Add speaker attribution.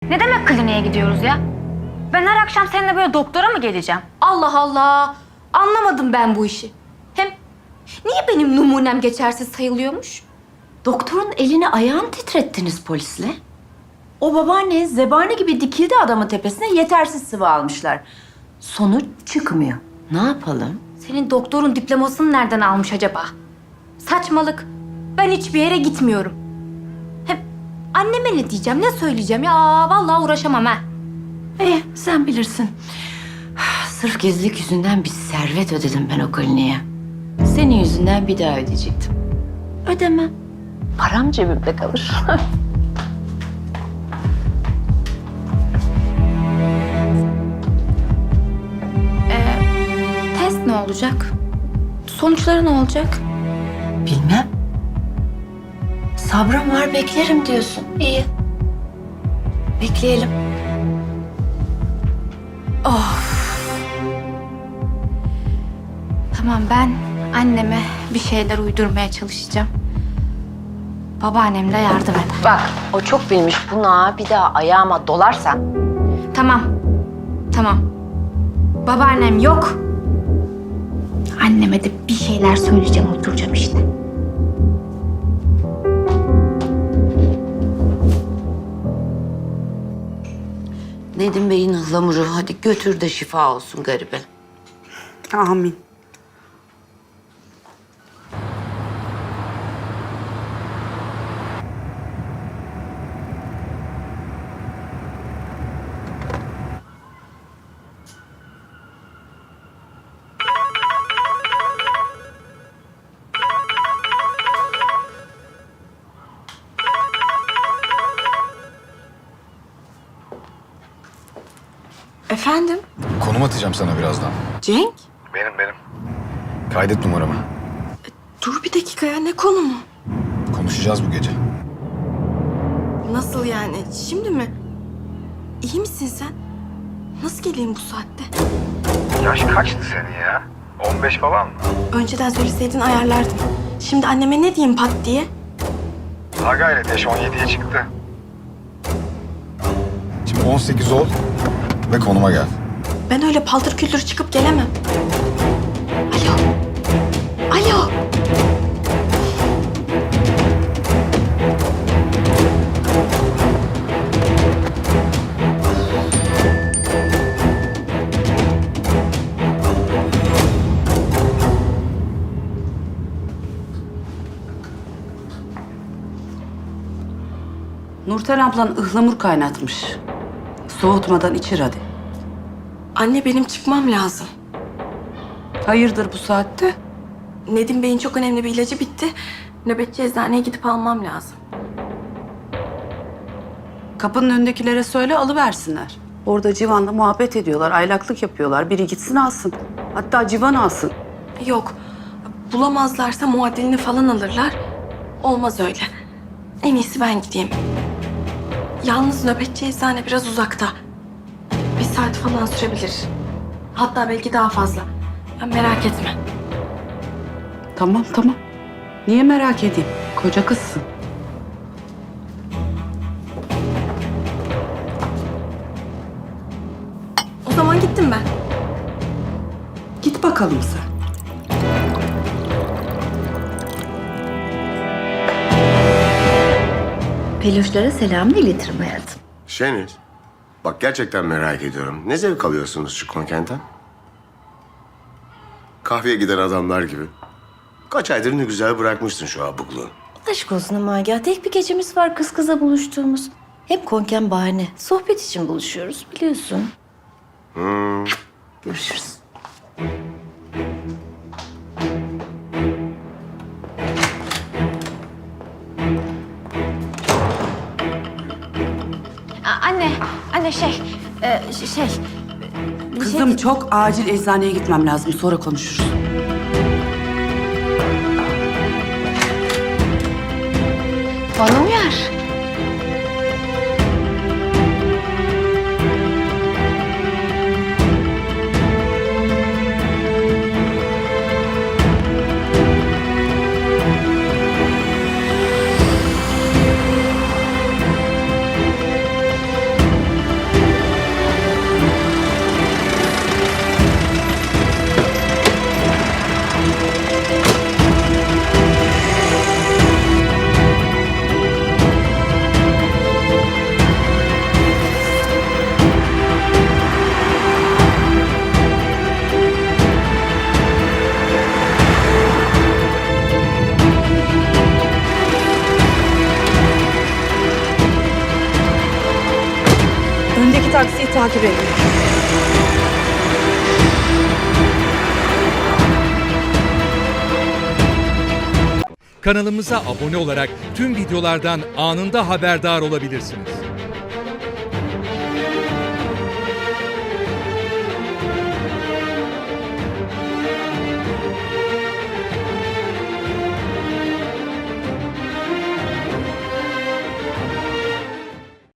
Speaker 1: Ne demek kliniğe gidiyoruz ya? Ben her akşam seninle böyle doktora mı geleceğim?
Speaker 2: Allah Allah. Anlamadım ben bu işi. Hem niye benim numunem geçersiz sayılıyormuş?
Speaker 3: Doktorun elini ayağını titrettiniz polisle. O babaanne zebani gibi dikildi adamın tepesine, yetersiz sıvı almışlar. Sonuç çıkmıyor. Ne yapalım?
Speaker 2: Senin doktorun diplomasını nereden almış acaba? Saçmalık. Ben hiçbir yere gitmiyorum. Hem anneme ne diyeceğim, ne söyleyeceğim ya? Vallahi uğraşamam ha.
Speaker 3: Sen bilirsin. Sırf gizlilik yüzünden bir servet ödedim ben o kliniğe. Senin yüzünden bir daha ödeyecektim. Ödemem. Param cebimde kalır.
Speaker 2: Test ne olacak? Sonuçları ne olacak?
Speaker 3: Bilmem. Sabrım var, beklerim diyorsun. İyi. Bekleyelim.
Speaker 2: Tamam, ben anneme bir şeyler uydurmaya çalışacağım. Babaannem de yardım eder.
Speaker 3: Bak, o çok bilmiş buna bir daha ayağıma dolarsan.
Speaker 2: Tamam. Tamam. Babaannem yok. Anneme de bir şeyler söyleyeceğim, uyduracağım işte.
Speaker 3: Nedim Bey'in ıhlamuru hadi götür de şifa olsun garibe.
Speaker 4: Amin.
Speaker 2: Efendim?
Speaker 5: Konum atacağım sana birazdan.
Speaker 4: Cenk,
Speaker 5: Benim. Kaydet numaramı.
Speaker 6: Dur bir dakika ya, ne konumu?
Speaker 5: Konuşacağız bu gece.
Speaker 6: Nasıl yani, şimdi mi? İyi misin sen? Nasıl geleyim bu saatte?
Speaker 5: Yaş kaçtı senin ya? 15 falan mı?
Speaker 6: Önceden söyleseydin ayarlardım. Şimdi anneme ne diyeyim pat diye?
Speaker 5: Ha gayret yaş 17'ye çıktı. Şimdi 18 ol ve konuma gel.
Speaker 6: Ben öyle paltır küldür çıkıp gelemem. Alo. Alo.
Speaker 4: Nurten ablan ıhlamur kaynatmış. Soğutmadan içir hadi.
Speaker 6: Anne, benim çıkmam lazım.
Speaker 4: Hayırdır bu saatte?
Speaker 6: Nedim Bey'in çok önemli bir ilacı bitti. Nöbetçi eczaneye gidip almam lazım.
Speaker 4: Kapının önündekilere söyle alıversinler. Orada Civan'la muhabbet ediyorlar, aylaklık yapıyorlar. Biri gitsin alsın. Hatta Civan alsın.
Speaker 6: Yok. Bulamazlarsa muadilini falan alırlar. Olmaz öyle. En iyisi ben gideyim. Yalnız nöbetçi eczane biraz uzakta. Bir saat falan sürebilir. Hatta belki daha fazla. Ya merak etme.
Speaker 4: Tamam. Niye merak edeyim? Koca kızsın.
Speaker 6: O zaman gittim ben.
Speaker 4: Git bakalım sen.
Speaker 3: Peluşlara selamını iletirim hayatım.
Speaker 7: Şeniz, bak gerçekten merak ediyorum. Ne zevk alıyorsunuz şu konkentten? Kahveye giden adamlar gibi. Kaç aydır ne güzel bırakmışsın şu abukluğu.
Speaker 3: Aşk olsun ama ya, tek bir gecemiz var kız kıza buluştuğumuz. Hep konken bahane. Sohbet için buluşuyoruz biliyorsun. Görüşürüz.
Speaker 2: Anne şey...
Speaker 4: Kızım çok acil eczaneye gitmem lazım. Sonra konuşuruz.
Speaker 2: Bana uyar.
Speaker 6: taksiyi takip edin.
Speaker 8: Kanalımıza abone olarak tüm videolardan anında haberdar olabilirsiniz.